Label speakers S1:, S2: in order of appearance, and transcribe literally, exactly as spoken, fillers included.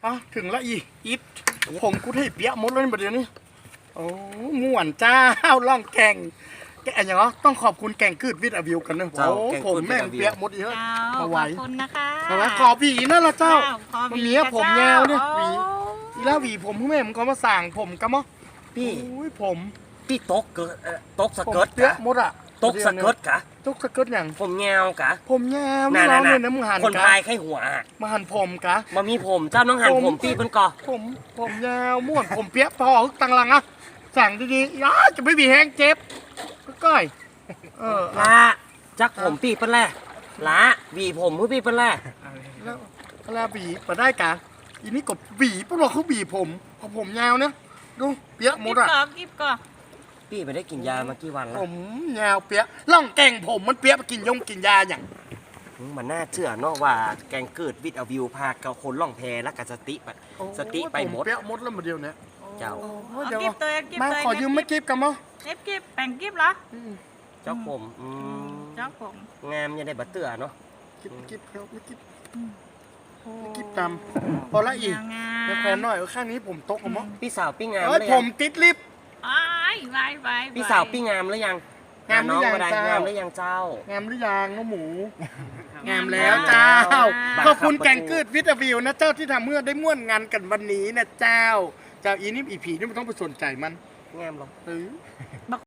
S1: อ่ะถึงละอีอิดผมกูให้เปียกหมดเลยประเดี๋ยวนี้โอ้ม่วนจ้าล่องแก่งแกอย่างเหรอต้องขอบคุณแก่งคืดวิทย์อวิวกันนะโอ้ผมแม่งเปียกหมดเยอะ
S2: ข
S1: มา
S2: อบ
S1: ไหว
S2: คุณนะคะ
S1: เอาไว้ขอหวีนั่นละเจ้า
S2: ขอ
S1: มัน
S2: ห
S1: มีอะผมยาวเนี่ยหวี
S2: โอ้
S1: อีแล้วหวีผมผู้แม่มันก็มาสั่งผมกันมั้ง
S3: พี่
S1: โอ้ยผม
S3: พี่ตกเกิดเอ่อตกส
S1: ผม
S3: เกิร์ต
S1: เปียก
S3: กะ
S1: หมดอ่ะ
S3: ตกสเกิร์ตกะ
S1: ตกสเกิร์ตอย่าง
S3: ผมแงวกะ
S1: ผมยาว
S3: น่ะ
S1: นี่เรา
S3: น่ะ
S1: เนี่ย
S3: น่ะ
S1: นะมึงหัน
S3: คน
S1: กะ
S3: พายไข้หัวอะ
S1: มาหันผมกะ
S3: มามีผมเจ้าน้องหัน
S1: ผม
S3: ผมพี่เพิ่นก่อ
S1: ผมผมยาวม่วนผมเปียกพอฮึกตังหลังอะสั่งดีๆอ้าจะไม่มีแห้งเจ็บก็ก้อยเออ
S3: ละจักผมพี่เพิ่นแหละละหวีผมผู้พี่เพิ่นแหละ
S1: แล้วแล้วบีมาได้กะอีนี่ก็บีพวกเราเขาบีผมเอาผมยาวเนี่ยดูเปียกหม
S2: กิ
S1: ด
S2: บ
S1: อะ
S2: ก่อนกิบก่อน
S3: พี่ไปได้กินยามากี่วันแล้
S1: ผ
S3: ว
S1: มยาวเปียกล่องแก่งผมมันเปียกมากินยงกินยาอย่าง
S3: อืมมันน่าเชื่อเนาะว่าแกงเกิดวิทย์เอาวิวพาเกาคนล่องแพและกับสติไปสติไปหมด
S1: เปียกหมดแล้วมาเดียวเนี่ย
S3: เจ้า
S1: โอ้
S2: เอา
S1: เดี๋ยว
S2: กิบตัวกิบ
S1: มา
S2: ตัว
S1: ขอยืมไม่กิบกันมั้ง
S2: เก็บกิบแบ่งกิบเหรอ
S3: เจ้าผมอืม
S2: เจ้าผม
S3: งามยังได้บัตเตือเนาะ
S1: กิบกิบครับไม่กิบไม่กิบตามพอละอีก
S2: งา
S1: เดี๋ยวแฟนหน่อยข้างนี้ผมตกเอามั้ง
S3: พี่สาวพี่งาม
S1: เอ้ย
S3: หรือ
S1: ผ
S3: ยั
S1: ม
S3: ง
S1: ติดลิฟต์
S2: อ้ายไว้ไว้
S3: พี่สาวพี่งามหรือยัง
S1: งามหรือยัง
S3: น้ได้
S1: เจ้า
S3: งามหรือยังเจ้า
S1: งามหรือยังน้องหมู งาม
S2: แล้
S1: แล้ว
S2: ว
S1: เจ้า
S3: บ้า
S1: ขอบคุณ
S3: ครับ
S1: แกงกืดวิตาวิวนะเจ้าที่ทำเมื่อได้ม่วนงานกันวันนี้นะเจ้า เจ้าอีนี่อีผีนี่มันต้องไปสนใจมัน
S3: งามหรอ
S1: เออ